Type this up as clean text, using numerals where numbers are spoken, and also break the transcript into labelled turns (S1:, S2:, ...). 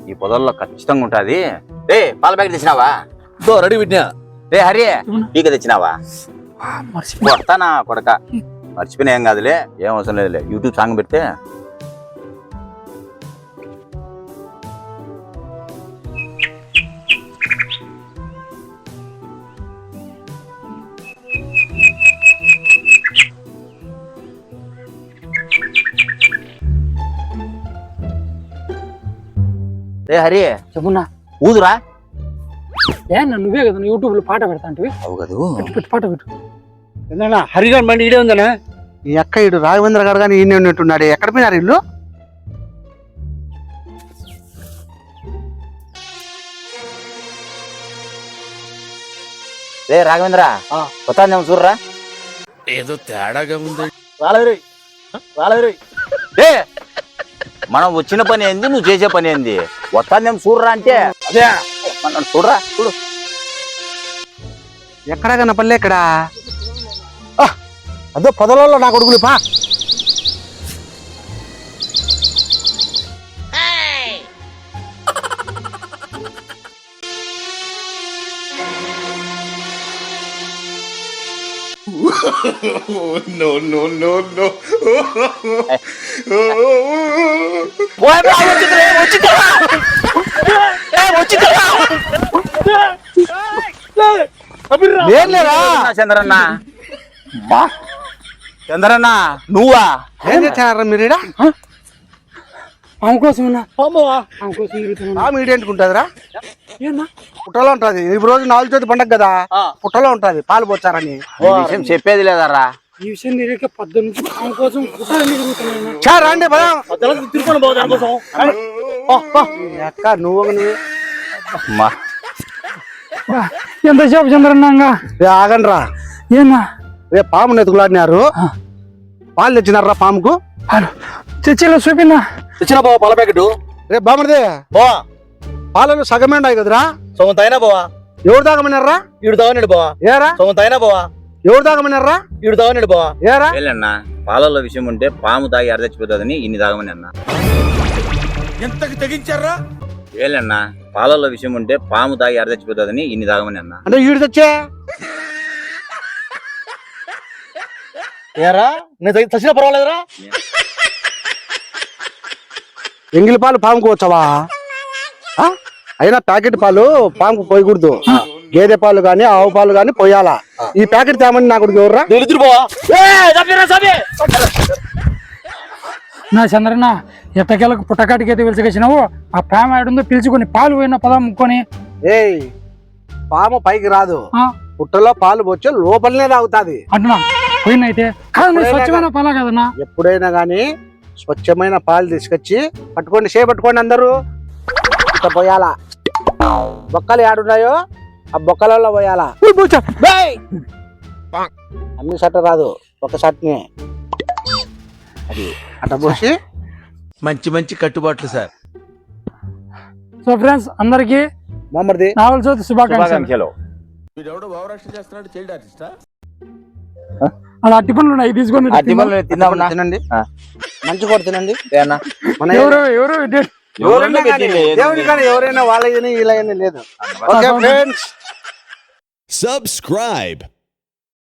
S1: ఈ పొదల్లో ఖచ్చితంగా ఉంటది. రే పాల ప్యాకెట్ తెచ్చినావా?
S2: రెడీ పెట్టినా.
S1: రే హరి పీక తెచ్చినావా? కొడతానా కొడక, మర్చిపోయినా ఏం కాదులే, ఏం అవసరం లేదులే. యూట్యూబ్ సాంగ్ పెడితే రే హరి
S3: చెప్పున్నా
S1: ఊదురా.
S3: నువ్వే కదా యూట్యూబ్ లో పాట పెడతా అంటే
S1: అవు కదూ,
S3: పెట్టు పాట పెట్టు.
S2: ఏందన్నా హరిగాన్ బండి ఇడే ఉందనా?
S4: ఈ అక్క ఇడు రాఘవేంద్ర గారు కానీ ఈయన ఉన్నట్టున్నాడు. ఎక్కడ పోయినారు ఇల్లు?
S1: రే రాఘవేంద్ర కొత్త చూడరా.
S2: ఏదో తేడాగా ఉంది.
S1: రే మనం వచ్చిన పని ఏంది, నువ్వు చేసే పని ఏంది? వస్తానేం చూడరా అంటే అదే మనం చూడరా. చూడు
S4: ఎక్కడా కనపల్లే ఇక్కడ. అదో పొదలలో నా కొడుకులు పా.
S1: చంద్రన్న, చంద్రన్న నువ్వా?
S4: ఏం చేస్తారా మీరు ఈడ?
S3: ఆమె కోసం ఆమె కోసం తిరుగుతున్నా.
S4: మీడియంట్కుంటుందిరా,
S3: ఏనా
S4: పుట్టలో ఉంటది. ఈ రోజు 4 చేతి పండగ కదా, పుట్టలో ఉంటది పాలు పోచారని.
S1: ఈ విషయం చెప్పేది లేదరా.
S3: ఈ విషయం తిరిగే 10 నుంచి ఆమె కోసం తిరుగుతున్నా.
S4: రండి అక్క నువ్వు
S3: ఎంతసేపు చంద్రన్నాగా
S4: ఆగండి రా.
S3: ఏనా
S4: రే పాము ఎత్తుకులాడినారు, పాలు తెచ్చినారా పాముకు?
S3: చర్చిలో చూపినా
S2: తెచ్చిన బావా పాల ప్యాకెట్.
S4: రే బామడిదే
S2: బావా
S4: పాలలో సగమే ఉన్నాయి కదరా.
S2: సొంత అయినా బావా.
S4: ఎవరు దాగమన్నారా?
S2: ఈడు తాగనాడు బావా.
S4: ఏరా
S2: సొంత అయినా బావా.
S4: ఎవరు దాగమన్నారా?
S2: ఈడు తాగనాడు బావా.
S4: ఏరా
S1: అన్న పాలలో విషయం ఉంటే పాము తాగి అరదచ్చిపోతుందని ఇన్ని తాగమని అన్న.
S2: ఎంతకి తెగించారా?
S1: ఏలన్న పాలలో విషయం ఉంటే పాము తాగి అరదచ్చిపోతుందని ఇన్ని తాగమని అన్న.
S4: అంటే ఈడు తెచ్చే
S2: ఏరా నేను చచ్చిన పర్వాలేదురా.
S4: ఎంగిలి పాలు పాముకు వచ్చావా? అయినా ప్యాకెట్ పాలు పాముకు పోయకూడదు. గేదె పాలు గాని ఆవు పాలు గాని పోయాలా. ఈ ప్యాకెట్ తేమని నా కొడుకు ఎవర్రా?
S3: నా చంద్రన్న ఎట్టకేలకు పుట్టకాటికి అయితే పిలిచికొచ్చినావు. ఆ ప్రేమ ఆడుందో పిలుచుకొని పాలు పోయిన పదా ముక్కొని.
S4: ఏయ్ పాము పైకి రాదు, పుట్టలో పాలు వచ్చే లోపలనే తాగుతాది.
S3: అంటున్నా పోయినైతే కాదు స్వచ్ఛమైన పాల కదన్నా.
S4: ఎప్పుడైనా గాని స్వచ్ఛమైన పాలు తీసుకొచ్చి పట్టుకోండి, పట్టుకోండి అందరూ. ఇట్లా పోయాలా. బొక్కలు ఏడున్నాయో ఆ బొక్కలలో పోయాలా. అన్ని షర్ట్ రాదు, ఒక షర్ట్ని అది అట్లా పోసి.
S2: మంచి మంచి కట్టుబాట్లు సార్.
S3: సో ఫ్రెండ్స్ అందరికి
S4: మొమ్మది
S3: నావల్ చోతి శుభాకాంక్షలు. అలా అట్టి పనులు ఉన్నాయి తీసుకొని
S4: తినండి, మంచి కూడా తినండి.
S3: ఎవరు
S4: దేవుని కానీ ఎవరైనా వాళ్ళ ఇలా లేదు. Okay friends,
S5: subscribe.